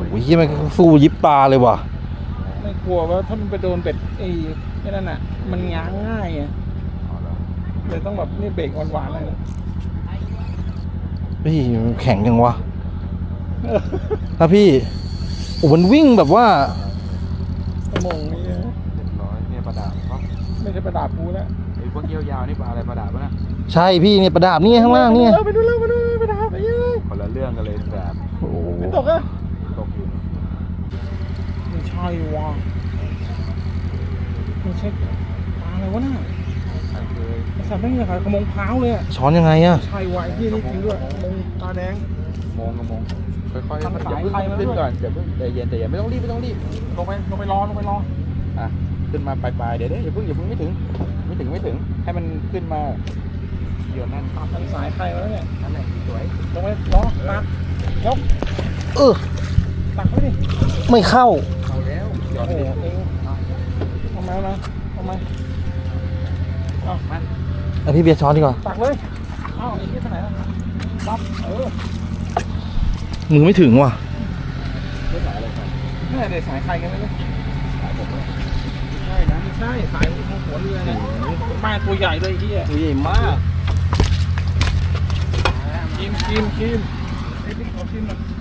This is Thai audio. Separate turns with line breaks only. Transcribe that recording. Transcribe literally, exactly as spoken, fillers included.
อ้ยมันสู้ยิบตาเลยว่ะ
ไม่กลัวว่าถ้ามันไปโดนเบ็ดไอ้ไอ้นั่นอ่ะมันง้างง่ายไงเลยต้องแบบนี่เบรกหวานๆเลย
เฮ้ยแข็งยังวะถ้าพี่โอ้มันวิ่งแบบว่า
ชั่วโมงนี้
เรียบร้อยเนี่ยปลาดาบเขา
ไม่ใช่ปลาดาบกูแล้ว
ไอ้พวกเกี้ยวยาวนี่ปลาอะไรปลาดาบวะนะ
ใช่พี่เนี่ยปลาดาบนี่ข้างล่างเนี่ย
ไปดูแล้วไปดูปลาดาบไปเยอะ
คนละเรื่องกันเลยแบบ
โอ้โห
ไม่ตกอ่ะ
ตกอยู่
ไม่ใช่วะไม่ใช่ปลาอะไรวะน่ะ
ใช่เลย
ไอ้สัตว์ไม่มีขายขมงพร้าวเลยอ่ะ
ช้อนยังไงอะ
ใช่วะไอ้ที่นี่จริงด้วยขมงตาแดง
มองกับมองค่อยๆ
ทำสาย
อย่าเพิ่ง
ไฟมาด้วย
ขึ้นก่อนอย่าเพิ่งใจเย็นใจเย็นไม่ต้องรีบไม่ต้องรีบ
ลงไปลงไปรอลงไปรอ
อ่ะขึ้นมาปลายๆเดี๋ยวเดี๋ยวอย่าเพิ่งอย่าเพิ่งไม่ถึงไม่ถึงไม่ถึงให้มันขึ้นมาเดี๋ยวนั่น
ตัดทางสายไฟมาแล้วเนี่ย
นั่นแหละสวย
ลงไปรอตักยก
เออ
ตักไว้ดิ
ไม่เข้า
เอาแล้วหยอ
โอ้
ด
โห
ดิ
เองทำไมนะทำไมเอามา
ไอพี่เบียร์ช้อนดีกว่า
ตักเลยเอ้าไอ้ที่ไหนล่ะรับเออ
มือไม่ถึงว่ะ
เรื่องไหนอะไรกัน
นี่เด็กสายใครกันไม่รู้
สายผมเลย
ใช่นะไม่ใช่สายของหัวเรือเนี่ยป้ายตัวใหญ่เลยที่อ่ะ
ตัวใหญ่มาก
คิมคิมคิมไอ้พี่ขอคิมหน่อย